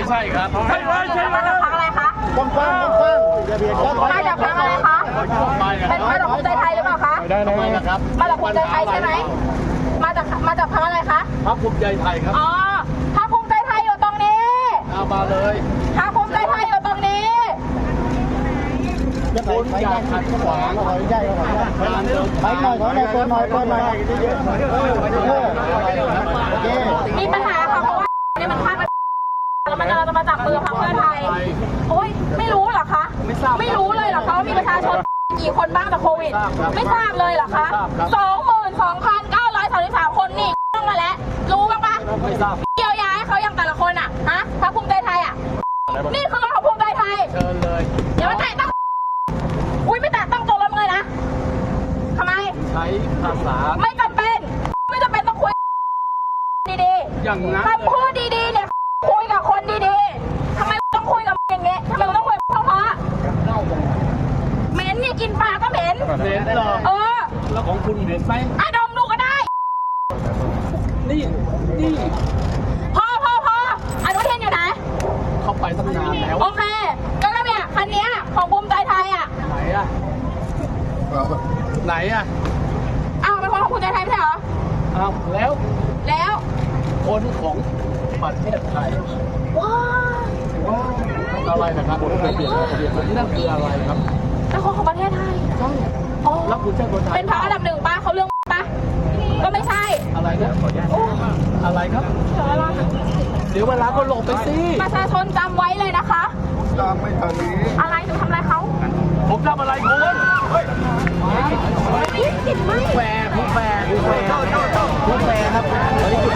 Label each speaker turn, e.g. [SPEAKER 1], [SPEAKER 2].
[SPEAKER 1] ใช่ครับใช่เลยใช่เลย
[SPEAKER 2] มาจากพรรคอะไรคะ
[SPEAKER 3] กว้างๆ
[SPEAKER 2] มาจากพรรคอะไรคะเป็นมาจากภูมิใจไทยหรือเปล่าคะ
[SPEAKER 1] ได้ทำไมนะครับ
[SPEAKER 2] มาจากภูมิใจไทยใช่ไหมมาจากพรรคอะไรคะ
[SPEAKER 1] พรรคภูมิใจไทยครับ
[SPEAKER 2] อ๋อพรรคภูมิใจไทยอยู่ตรงนี้
[SPEAKER 1] เอามาเลย
[SPEAKER 2] พรรคภูมิใจไทยอยู่ตรงนี้
[SPEAKER 1] คุณอย่าขัดขวาง การเดิน
[SPEAKER 3] ไปหน่อยตัวหน่อยโอเค
[SPEAKER 2] มีปัญหาค่ะเพราะว่าเนี่ยมันพลาดไปแล้วมันเราจะมาจับมือพรรคเพื่อไทยโอ้ยไม่รู้เหรอคะไม่รู้เลยเหรอคะว่ามีประชาชนกี่คนบ้างจากโควิดไม่ทราบเลยเหรอคะ 22,933 คนนี่ต้องมาแล้วรู้บ้างปะ
[SPEAKER 1] ไม่ทราบ
[SPEAKER 2] เยียวยาให้เขาอย่างแต่ละคนอ่ะฮะพรรคภูมิใจไทยอ่ะนี่คือรถของภูมิใจไทย
[SPEAKER 1] เชิญเลย
[SPEAKER 2] อย่ามาแตะต้องอุ้ยไม่แตะต้องตัวรถเลยนะทำไม
[SPEAKER 1] ใช้ภาษา
[SPEAKER 2] ไม่จำเป็นต้องคุยดี
[SPEAKER 1] อย่างนั้น
[SPEAKER 2] ๆคำพูดดีๆเนี่ยคุยกับคนดีๆทำไมต้องคุยกับอย่างเงี้ยทำไมต้องคุยเพราะเหม็นเนี่ยกินปลาก็เหม็น
[SPEAKER 1] เน้นเหรอ แล้วของคุณเห็นไหม
[SPEAKER 2] ไอ้ดมดูก็ได้
[SPEAKER 1] นี่
[SPEAKER 2] พออนุทินอยู่ไหน
[SPEAKER 1] เข้าไปตั้งนานแล้ว
[SPEAKER 2] โอเคก็เนี่ยคันเนี้ยของภูมิใจไทยอ่ะ
[SPEAKER 1] ไหนอะไหนอะ
[SPEAKER 2] อ้าวเป็นคนของภูมิใจไทยไม่ใช่เหรอ
[SPEAKER 1] อ้าวแล้ว
[SPEAKER 2] แล้ว
[SPEAKER 1] คนของประเทศไทย
[SPEAKER 2] ว้า
[SPEAKER 1] อะไรนะครับนั่นคืออะไรครับ
[SPEAKER 2] เป็นคนของประเทศไทยอ๋อ
[SPEAKER 1] แล้วคุณใช่คนไทย
[SPEAKER 2] เป็นพรรคอันดับ1ป่ะเขาเรื่องป่ะก็ไม่ใช่
[SPEAKER 1] อะไรนะอะไรครับ เดี๋ยวเวลาก็หลบไปสิ
[SPEAKER 2] ประชาชนจำไว้เลยนะคะ
[SPEAKER 3] ตามไม่ทันนี้
[SPEAKER 2] อะไรจะทำอะไรเขา
[SPEAKER 1] ผมทำอะไรคุณ
[SPEAKER 2] ไม่ผิดไม่
[SPEAKER 1] แฝงผู้แฝงครับ